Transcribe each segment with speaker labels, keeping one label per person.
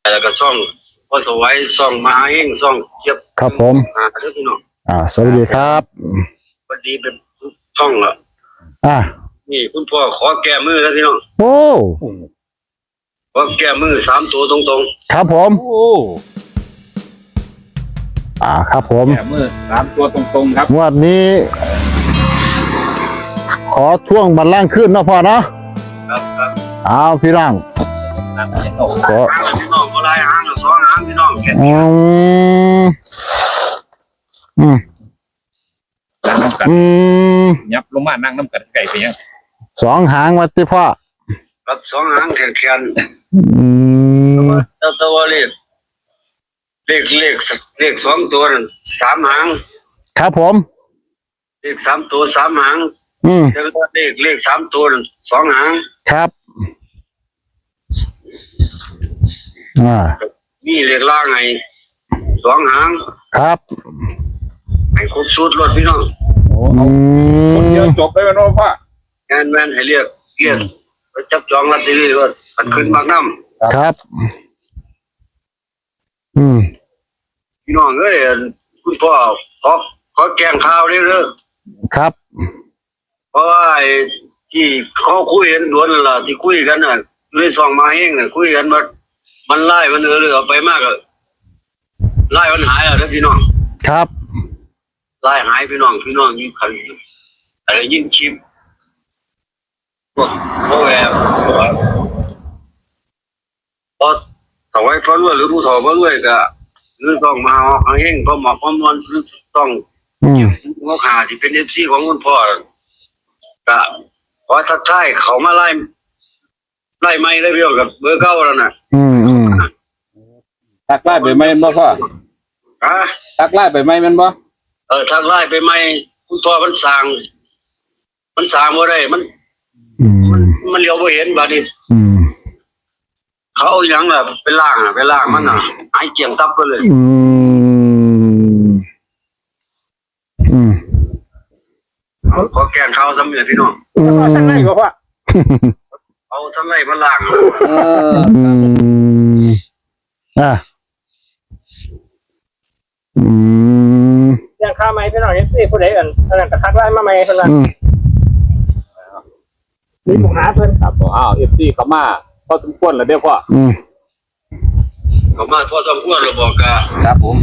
Speaker 1: แล้วก็ซ่องพอสวัยซ่องมาเองซ่องเก็บ
Speaker 2: ครับผม
Speaker 1: เด้อพี่น้อง
Speaker 2: สวัสดีครับ
Speaker 1: พอดีเป็นช่องละนี่คุณพ่อขอแก้มือแล้วพี่น้อง
Speaker 2: โอ้
Speaker 1: ขอแก้มือ3ตัวตรง
Speaker 2: ๆครับผม
Speaker 3: โอ้
Speaker 2: ครับผม
Speaker 3: แก้มือ3ตัวตรงๆครับ
Speaker 2: งวดนี้ขอท่วงบัลลังก์ขึ้นเนาะพ่อเนาะ
Speaker 1: ครับ
Speaker 2: เอาพี่น้อง
Speaker 1: ขอพี่น้องก็ลายหาง2หางพี่น้องแค่
Speaker 3: นั่งน้ำกันยับลงมานั่งน้ำกันไก่ไปยัง
Speaker 2: 2หางวัดที่พ่อ
Speaker 1: ครับ2หางแข็งตัวเลข2ตัวนั่น3หาง
Speaker 2: ครับผม
Speaker 1: เลข3ตัว3หางแล้วเลข3ตัวนั่น2หาง
Speaker 2: ครับ
Speaker 1: นี่เลขล่างไง2หาง
Speaker 2: ครับ
Speaker 1: ให้ครบสูตรรถพี่น้อง
Speaker 3: คนเดียวจบได้ไหมน้องพ่อง
Speaker 1: านแม่นให้เรียกไปจับจองลอตเตอรี่ว่าอันขึ้นมากน้
Speaker 2: ำครับ
Speaker 1: พี่น้องเอ้ยคุณพ่อขอแกงข้าวเรื่อย
Speaker 2: ๆครับ
Speaker 1: เพราะว่าที่เขาคุยกันด่วนนั่นล่ะที่คุยกันน่ะเลยส่องมาเองน่ะคุยกันมันไล่มันเอาไปมากอะไล่มันหายอ่ะพี่น้อง
Speaker 2: ครับ
Speaker 1: ไล่หายพี่น้องยิ่งขันอะไรยิ่งชิปพวกแอบพอสวัยพระรวยหรือผู้ถอพระรวยก็หรือส่องมาเอาเองพอหมอกพอมอนซื้อต้องงอกหาที่เป็น FC ของคุณพ่อก็ขอทักทายเขามาไล่ไม่ได้พี่น้องกับเบอร์เก้าแล้วน่ะ
Speaker 3: ทักไล่ไปไหมบ่พ่อทักไล่ไปไหมมันบ่
Speaker 1: ทักไล่ไปไหมคุณพ่อมันสั่งบ่ได้มันเลี้ยวบ่เห็นบัดนี้เขาเอาหยังล่ะไปล่างมันน่ะหายเจียงตับไปเลยขอแกงข้าวซ้ำเนี่ยพี่น้อง
Speaker 3: สั่งไล่บ่พ่อ
Speaker 1: เอาซ้ำไล่มาล่าง
Speaker 4: อย่างข้าวไหมพี่น้องเอฟซีผู้ใดอันนั้นก็ทักไล่มาไหมเพิ่นว่ามีปัญหาเพิ่น
Speaker 3: ครับFC เขามาพอสมควรแล้วเด้อพ่อ
Speaker 1: เขามาพอสมควรแล้วบอกกะ
Speaker 3: ครับผม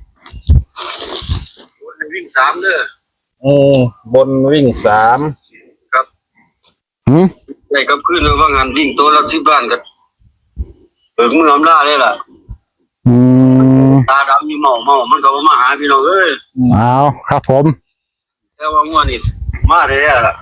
Speaker 1: บนวิ่ง3เด้
Speaker 3: อบนวิ่ง3
Speaker 1: ครับได้กับคืนว่างานวิ่งตัวละ10บ้านก็เบิกมืออำลาเลยล่ะตาดำมีเมามันก็มาหาพี่น้องเอ้ย
Speaker 2: เอาครับผม
Speaker 1: แต่ว่างัวนี่มาได้แล้วล่ะ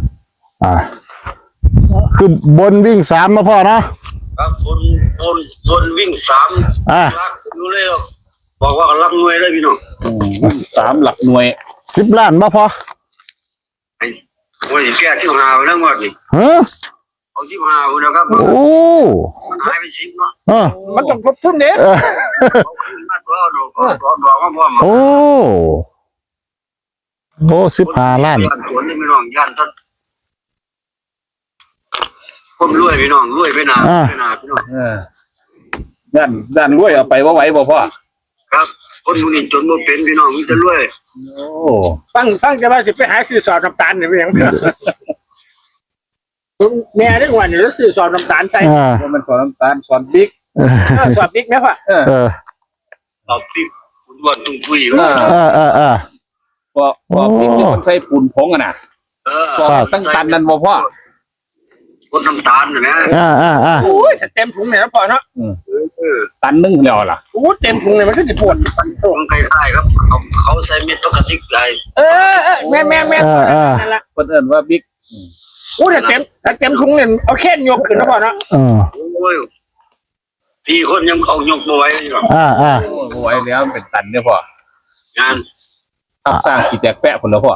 Speaker 2: คือบนวิ่ง3นะพ่อเนาะ
Speaker 1: ครับบนวิ่ง3รักอยู่เลยบอกว่ารักหน่วยได้พี่น้อง
Speaker 3: 3หลักหน่วย
Speaker 2: 10 ล้านบ่พอ
Speaker 1: ไอ้โอ้ยแก่15ไปแล้วงวดนี่เอา15พุ่นนะครับ
Speaker 2: โอ้
Speaker 1: มันหายไป10เนาะ
Speaker 4: มันต้องครบทุนเด้
Speaker 1: มาตัวดอกมาพร้อม
Speaker 2: โอ้15 ล้าน
Speaker 1: สวนนี่พี่น้องย่านทัดผมรวยพี่น้องรวยไปนาพี่น้อง
Speaker 3: ด้านรวยเอาไปว่าไหวบ่พ่อ
Speaker 1: ครับคนมูนี่จนบ่เป็นพี่น้องมีแต่รวย
Speaker 4: ฟังจะว่าสิไปหาซื้อสอบน้ำตาลนี่เป็นหยังแม่ได้วันนี้แล้วซื้อสอบน้ำตาลใส่
Speaker 3: มันสอนน้ำตาลสอนบิ๊ก
Speaker 4: สอบบิ๊กไหมพ่อ
Speaker 1: สอบบิ๊กคุณวันตุ้งปุ้ย
Speaker 3: พอบิ๊กมันใส่ปูนผงอ่ะนะตั้งตันนั่นบ่พ่อ
Speaker 1: คนน้ำตาลนะ
Speaker 4: โอ้ยเต็มถุงเลยนะพ่อเนาะ
Speaker 3: ตันนึงแล้วล่ะ
Speaker 4: โอ้เต็มถุงเลยมันก็จะปวด
Speaker 1: ของใครๆครับเขาใส่เม็ดปกติได้
Speaker 4: แม่
Speaker 3: นั่นแหละคนอื่นว่าบิ๊ก
Speaker 4: โอ้เต็มถุงเนี่ยเอาแค่ยกขึ้นนะพ่อเนาะ
Speaker 1: โอ้ย4 คนยังเอายกมาไว้เลยหรอ
Speaker 3: ไว้แล้วเป็นตันเนี่ยพ่
Speaker 1: องาน
Speaker 3: สร้างกี่แตกแปะคนละพ่อ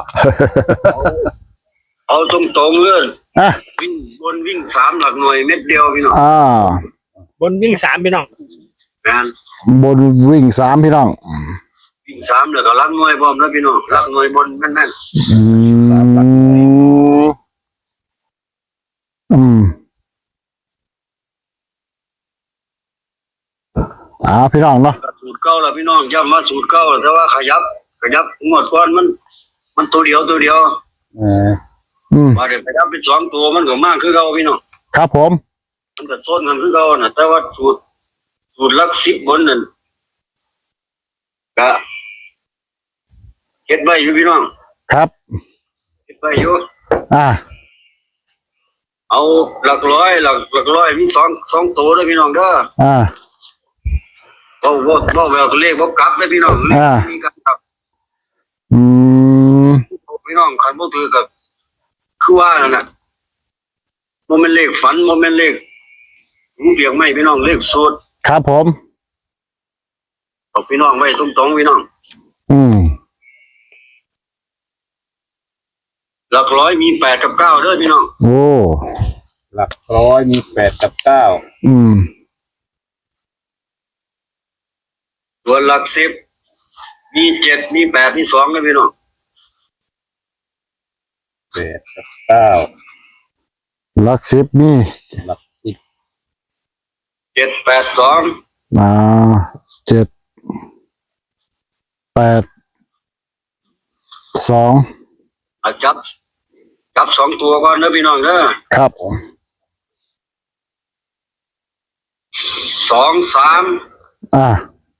Speaker 1: เอาตรงๆเลยวิ่ง3หลักหน่วยเม็ดเดียวพี่น้อง
Speaker 4: บนวิ่ง3พี่น้อง
Speaker 1: งาน
Speaker 2: บนวิ่ง3พี่น้อง
Speaker 1: วิ่ง3แล้วก็หลักหน่วยพร้อมแล้วพี่น้องหลักหน่วยบนแม่น
Speaker 2: พี่น้องเนาะ
Speaker 1: สูตรเก่าแล้วพี่น้องย้ำมาสูตรเก่าแต่ว่าขยับงวดก่อนมันตัวเดียว มาเดี๋ยวขยับเป็น2 ตัวมันก็มากคือเก่าพี่น้อง
Speaker 2: ครับผม
Speaker 1: มันก็ซ้นกันคือเก่าน่ะแต่ว่าสูตรหลัก10บนนั่นก็เก็บไว้อยู่พี่น้อง
Speaker 2: ครับ
Speaker 1: เก็บไว้อยู่
Speaker 2: อ่า
Speaker 1: เอาหลักร้อยมีสองตัวเด้อพี่น้องเด้อ
Speaker 2: อ่า
Speaker 1: บ่แววตัวเลขบ่กลับเด้อพี่น้อง
Speaker 2: อ่า
Speaker 1: มีการกลับ
Speaker 2: อืม
Speaker 1: พี่น้องคันบ่ถือก็คือว่านั่นน่ะบ่แม่นเลขฝันบ่แม่นเลขหูเปียกไหมพี่น้องเลขสูตร
Speaker 2: ครับผม
Speaker 1: เอาพี่น้องไว้ตรงๆพี่น้อง
Speaker 2: อืม
Speaker 1: หลักร้อยมี8กับ9เด้อพี่น้อง
Speaker 2: โอ้
Speaker 3: หลักร้อยมี8 กับ 9
Speaker 2: อืม
Speaker 1: ส่วนหลัก10มี7มี8มี2เด้อพี่น้อง
Speaker 3: 8 กับ 9
Speaker 2: หลักสิบมี
Speaker 3: หลัก10
Speaker 1: 7 8 2
Speaker 2: อ่า7 8 2
Speaker 1: อาจับ2 ตัวก่อนเด้อพี่น้องเด้อ
Speaker 2: ครับ
Speaker 1: 2 3
Speaker 2: อ่า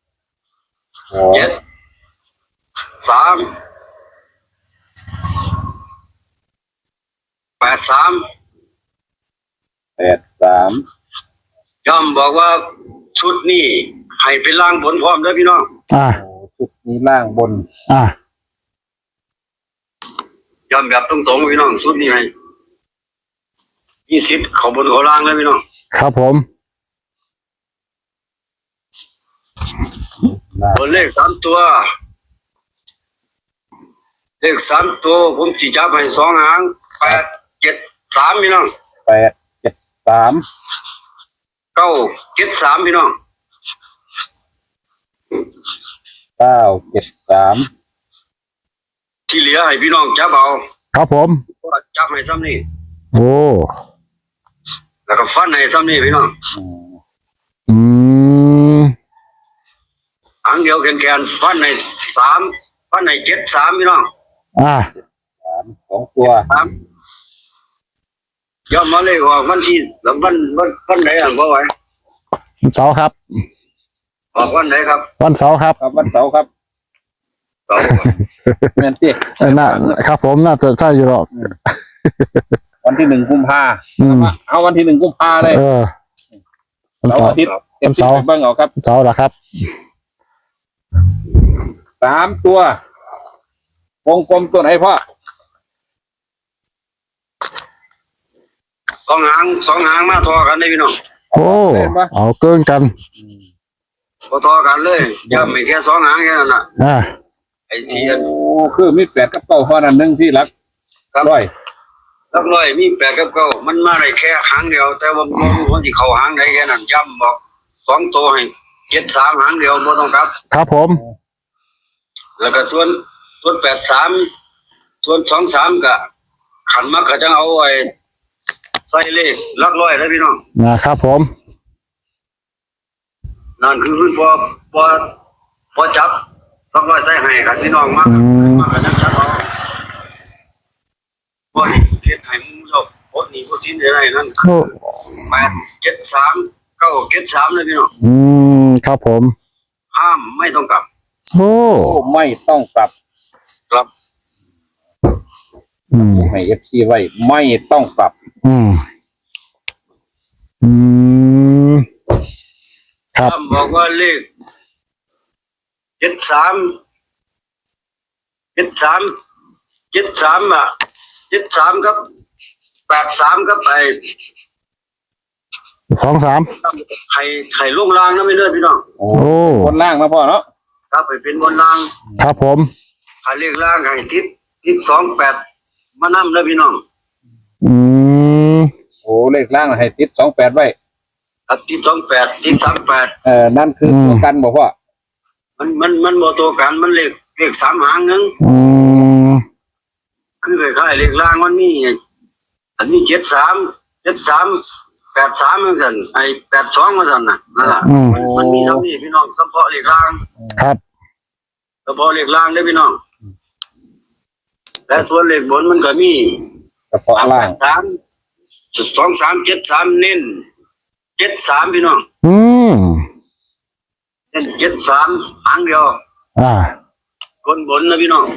Speaker 1: 7 3 8 3
Speaker 3: 8 3
Speaker 1: ย่อมบอกว่าชุดนี้ให้เป็นล่างบนพร้อมเด้อพี่น้อง
Speaker 2: อ่า
Speaker 3: โอ้ชุดนี้ล่างบน
Speaker 2: อ่า
Speaker 1: ย่อมแบบตรงๆพี่น้องชุดนี้ให้มีสิทธิ์เข้าบนเข้าล่างเลยพี่น้อง
Speaker 2: ครับผม
Speaker 3: ล่าง
Speaker 1: ตัวเลข3 ตัวเลข3 ตัวผมสิจับให้2 หาง8 7 3พี่น้อง
Speaker 3: 8 7 3
Speaker 1: 9 7 3พี่น้อง
Speaker 3: 9 7 3
Speaker 1: ที่เหลือให้พี่น้องจับเอา
Speaker 2: ครับผม
Speaker 1: จับให้ซ้ำนี่
Speaker 2: โอ้
Speaker 1: แล้วก็ฟันให้ซ้ำนี่พี่น้อง
Speaker 2: อืม
Speaker 1: หางเดียวแขนๆฟันให้3ฟันให้7 3พี่น้อง
Speaker 2: อ่า
Speaker 3: 2 ตัว
Speaker 1: 3ย่อมมาเลขออกวันที่แล้ววันไหนอ่ะบ่ไหว
Speaker 2: วันเสาร์ครับ
Speaker 1: ออกวันไหนครับ
Speaker 2: วันเสาร์ครับ
Speaker 3: ครับวันเสาร์ครับ
Speaker 1: เสาร์
Speaker 3: แม่นติ
Speaker 2: น่าครับผมน่าจะใช่อยู่หรอก
Speaker 3: วันที่1 กุมภา
Speaker 2: อืม
Speaker 3: เอาวันที่1 กุมภาเลย
Speaker 2: เออวัน
Speaker 3: เสา
Speaker 2: เสา
Speaker 3: ร์
Speaker 2: ร์
Speaker 3: อาทิตย์
Speaker 2: วันเสาร์
Speaker 3: ไปเบิ่งเอาครับ
Speaker 2: วันเสาร์เหรอครับ
Speaker 3: 3 ตัววงกลมตัวไหนพ่อ
Speaker 1: 2 หางมาทอกันได้พี่น้อง
Speaker 2: โอ้เอาเกินกัน
Speaker 1: พอทอกันเลยอย่าไม่แค่2 หางแค่นั้นน่ะ
Speaker 2: อ่า
Speaker 1: ไอ้ที่
Speaker 3: โอ้คือมี8 กับ 9 เท่านั้นหนึงที่หลัก
Speaker 1: ครับ
Speaker 3: ร้อย
Speaker 1: หลักร้อยมี8กับ9มันมาได้แค่หางเดียว แต่ว่าบ่รู้ว่าสิเข้าหางใดแค่นั้นย้ำบอก2 ตัวให้7 3หางเดียวบ่ต้องกลับ
Speaker 2: ครับผม
Speaker 1: แล้วก็ส่วน8 3ส่วน2 3ก็ขันมาก็จะเอาไว้ใส่เลขหลักร้อยเด้อพี่น้อง
Speaker 2: นะครับผม
Speaker 1: นั่นคือพอจับต้องร้อยใส่ให้กันพี่น้องมาก
Speaker 2: อืม
Speaker 1: มากกันจับเอาบ่ได้เฮ็ดให้มึงเจ้าโคตรนี่บ่สิ้นได้นั่น
Speaker 2: โอ้
Speaker 1: 8 7 3 9 7 3เลยพี่น้อง
Speaker 2: อืมครับผม
Speaker 1: ห้ามไม่ต้องกลับ
Speaker 2: โอ้
Speaker 3: โอ้ไม่ต้องกลับ
Speaker 1: กลับ
Speaker 2: อืม
Speaker 3: ให้ FC ไว้ไม่ต้องกลับ
Speaker 2: อืมอืมครับ
Speaker 1: ห้ามบอกว่าเลข73 อ่ะ73ครับ83ครับไอ้
Speaker 2: 2 3
Speaker 1: ไข่ลงล่างนะไม่เลิศพี่น้อง
Speaker 3: โอ้
Speaker 2: โอ้
Speaker 3: บนล่างนะพ่อเนาะ
Speaker 1: ครับไปเป็นบนล่าง
Speaker 2: ครับผม
Speaker 1: ไข่เลขล่างไข่ทิศ28มานำนะพี่น้อง
Speaker 2: อืม
Speaker 3: โอ้เลขล่างให้ติด28ไว้
Speaker 1: ครับทิศ28ทิศ38
Speaker 3: นั่นคือตัวกันบ่พ่อ
Speaker 1: มันบ่ตัวกันมันเลข3 หางนึง
Speaker 2: อืม
Speaker 1: คือคล้ายๆเลขล่างมันมีอันนี้73 83จังซั่นไอ้82ว่าซั่นน่ะนั่นล่ะ
Speaker 2: อืม
Speaker 1: มันมีเท่านี้พี่น้องเฉพาะเลขล่าง
Speaker 2: ครับ
Speaker 1: เฉพาะเลขล่างเด้อพี่น้องและส่วนเลขบนมันก็มี
Speaker 3: เฉพาะล่าง
Speaker 1: 2373เน้น73พี่น้อง
Speaker 2: อืม
Speaker 1: เน้น73หางเดียว
Speaker 2: อ่า
Speaker 1: คนบนนะพี่น้อง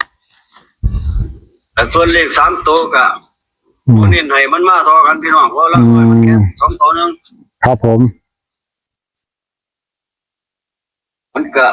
Speaker 1: แต่ส่วนเลข3ตัวก็
Speaker 2: อืม
Speaker 1: บ่เน้นให้มันมาเท่ากันพี่น้องเพราะละมันแค่2ตัวนึง
Speaker 2: ครับผม
Speaker 1: มันก็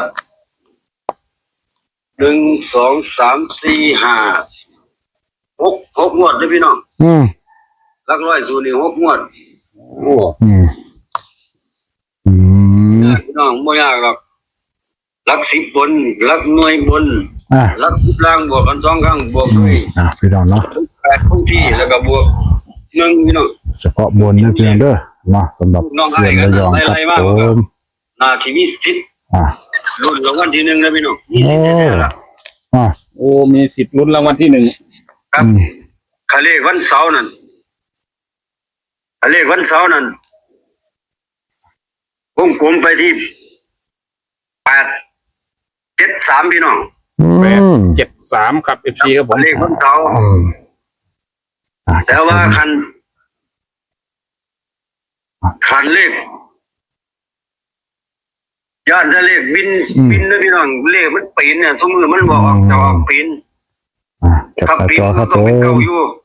Speaker 1: 1 2 3 4 5 6งวดเลยพี่น้อง
Speaker 2: อืม
Speaker 1: หลักร้อยสูตรนี่6งวด
Speaker 3: โอ้
Speaker 2: อืม อืม
Speaker 1: พี่น้องไม่ยากหรอกหลัก10บนหลักหน่วยบน
Speaker 2: อ่า
Speaker 1: หลัก10ล่างบวกกัน2ครั้งบวกด้วย
Speaker 2: อ่าพี่น้องเนาะ
Speaker 1: 8คงที่แล้วก็บวก1พี่น้อง
Speaker 2: เฉพาะบนนะพี่น้องเด้อเนาะสำหรับเสียงระยองครับผม
Speaker 1: น่าที่มีสิทธิ์
Speaker 2: อ่า
Speaker 1: รุ่นรางวัลที่1นะพี่น้องมีสิทธิ์แน่ๆล่ะ
Speaker 2: อ่า
Speaker 3: โอ้มีสิทธิ์ลุ้นรางวัลที่หนึ่ง
Speaker 1: ครับ
Speaker 2: อืม
Speaker 1: คาเลขวันเสาร์นั่นคาเลขวันเสาร์นั่นวงกลมไปที่873พี่น้อง
Speaker 2: อืม
Speaker 3: 73ครับ FC ครับผม
Speaker 1: คาเลขวันเสาร์
Speaker 2: อืมอ่า
Speaker 1: แต่ว่าคันเลขย่านถ้าเลขบินนะพี่น้องเลขมันปีนเนี่ยสมมติมันบอกออกจะออกปีน
Speaker 2: อ่าจับ
Speaker 1: ถ้า
Speaker 2: ตา
Speaker 1: ปีน
Speaker 2: จอค
Speaker 1: มั
Speaker 2: รั
Speaker 1: น
Speaker 2: บ
Speaker 1: ต้
Speaker 2: ผ
Speaker 1: องเป็น
Speaker 2: ม
Speaker 1: เก่าอยู่